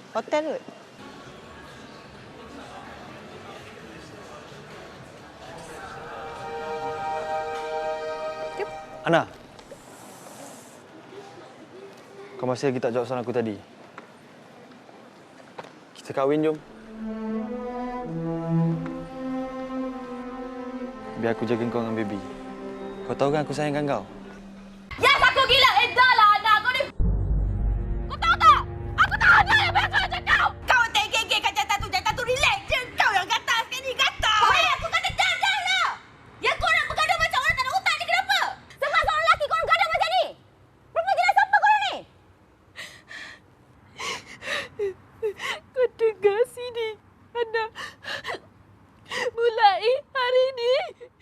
Hotel kot. Ana, kau masih lagi tak jawab soalan aku tadi? Kita kahwin, jom. Biar aku jaga kau dengan baby. Kau tahu kan aku sayangkan kau? Yes, aku gila. Dah lah, Ana. Kau ni... Kau tahu tak? Aku tak ada yang biasa macam kau. Kau tegek kat jantan tu relax je. Kau yang gatal sekali, gatal. Hei, aku kata dah lah. Yang kau nak bergaduh macam orang tak ada otak ni kenapa? Sebab seorang lelaki kau gaduh macam ni. Berapa gila siapa kau ni? Kau dengar sini, Ana. Mulai hari ni,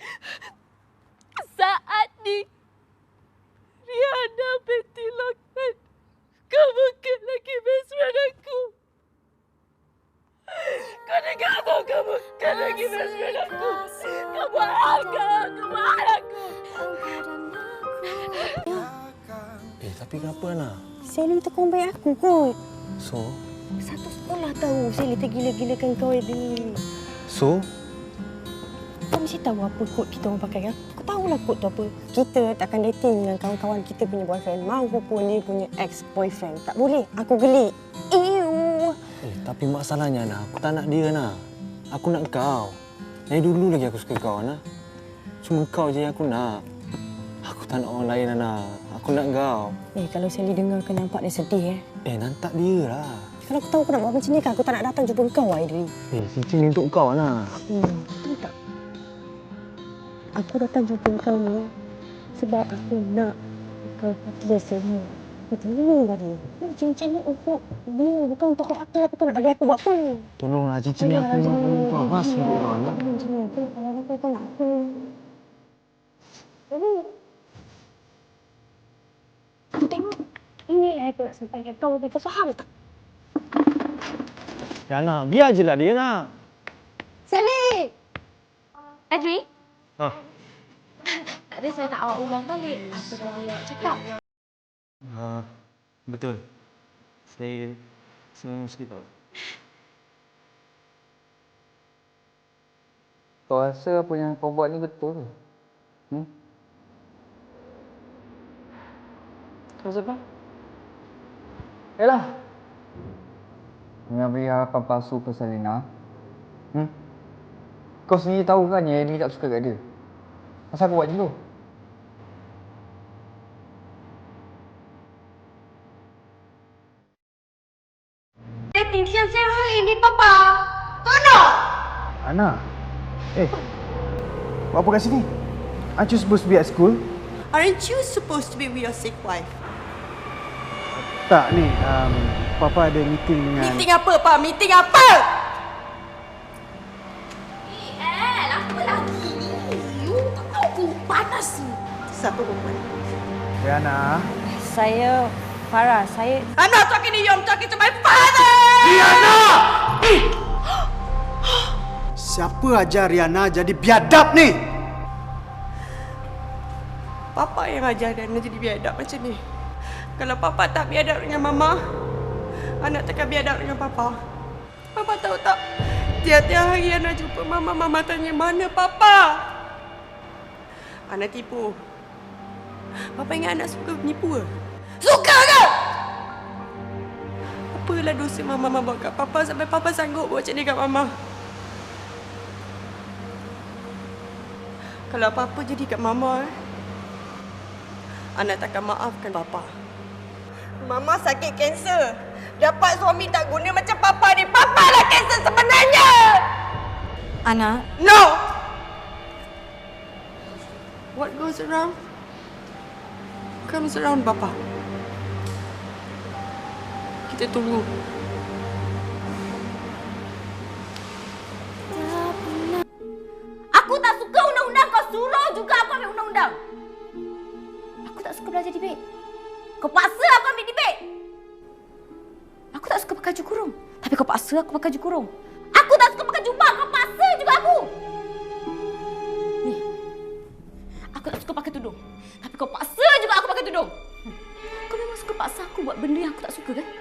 saat ni, Rihanna binti Lokman, kau bukan lagi best friend aku. Kau dengar tak? Kau bukan lagi best friend aku. Kau buat aku. Tapi kenapa, Ana? Sally tu kawan baik aku kot. So? Satu sekolah tahu Sally tergila-gilakan kau ni. So? Kau mesti tahu apa kod kita orang pakai kan? Kau tahulah kod tu apa. Kita takkan dating dengan kawan-kawan kita punya boyfriend. Maupun dia punya ex-boyfriend. Tak boleh. Aku geli. Ew. Tapi masalahnya, Ana, aku tak nak dia, Ana. Aku nak kau. Dari dulu lagi aku suka kau, Ana. Cuma kau je yang aku nak. Aku tak nak orang lain, Ana. Aku nak kau. Kalau Sally dengar kau nampak dia sedih Nantak dia lah. Kalau aku tahu kau nak buat macam ni kan, aku tak nak datang jumpa kau, Aidri. Cincin ni untuk kau, Ana. Tahu tak? Aku datang jumpa kau ni sebab aku nak kau biasa ni. Macam ni tadi. Cincin ni untuk dia, bukan untuk kau atas. Kau nak bagi aku buat apa? Tolonglah, cincin ni aku nak bagi kau. Mas, untuk kau, Ana. Cincin ni aku kalau kau nak aku. Aku tengok. Ini aku nak sampaikan kau. Kau faham tak? Ya, Ana. Biar je lah dia, Ana. Sally! Adri? Tadi saya nak awak ulang balik apa yang awak cakap. Betul. Saya mesti tahu. Kau rasa apa yang kau buat ni betul? Kau siapa? Yalah. Dengan beri harapan palsu ke Selina. Kau sendiri tahu kan yang Ellie tak suka kat dia. Kenapa kau buat macam tu? Dating siang-siang hari ni, Papa. Tolong! Ana. Buat apa kat sini? Aren't you supposed to be at school? Aren't you supposed to be with your sick wife? Tak, ni. Papa ada meeting dengan... Meeting apa, Pak? Meeting apa? Apa lagi ni? Tak tahu aku panas ni. Siapa perempuan? Rihanna. Saya Farah. I'm not talking to you, I'm talking to my father! Rihanna! Siapa ajar Rihanna jadi biadab ni? Papa yang ajar Rihanna jadi biadab macam ni. Kalau Papa tak biadab dengan Mama, anak takkan biadab dengan Papa. Papa tahu tak? Tiap-tiap hari Ana jumpa Mama, Mama tanya, mana Papa? Ana tipu. Papa ingat anak suka menipu ke? Suka ke? Apalah dosa Mama buat kat Papa sampai Papa sanggup buat macam ni kat Mama? Kalau apa-apa jadi kat Mama, Ana takkan maafkan Papa. Mama sakit kanser. Dapat suami tak guna macam Papa ni. Papa lah kanser sebenarnya! Ana, No! What goes around comes around, Papa. Kita tunggu. Aku tak suka undang-undang. Kau suruh juga aku ambil undang-undang. Aku tak suka belajar debate. Kau paksa aku ambil debate. Aku tak suka pakai baju kurung. Tapi kau paksa aku pakai baju kurung. Aku tak suka pakai jubah. Kau paksa juga aku. Ni. Aku tak suka pakai tudung. Tapi kau paksa juga aku pakai tudung. Kau memang suka paksa aku buat benda yang aku tak suka kan?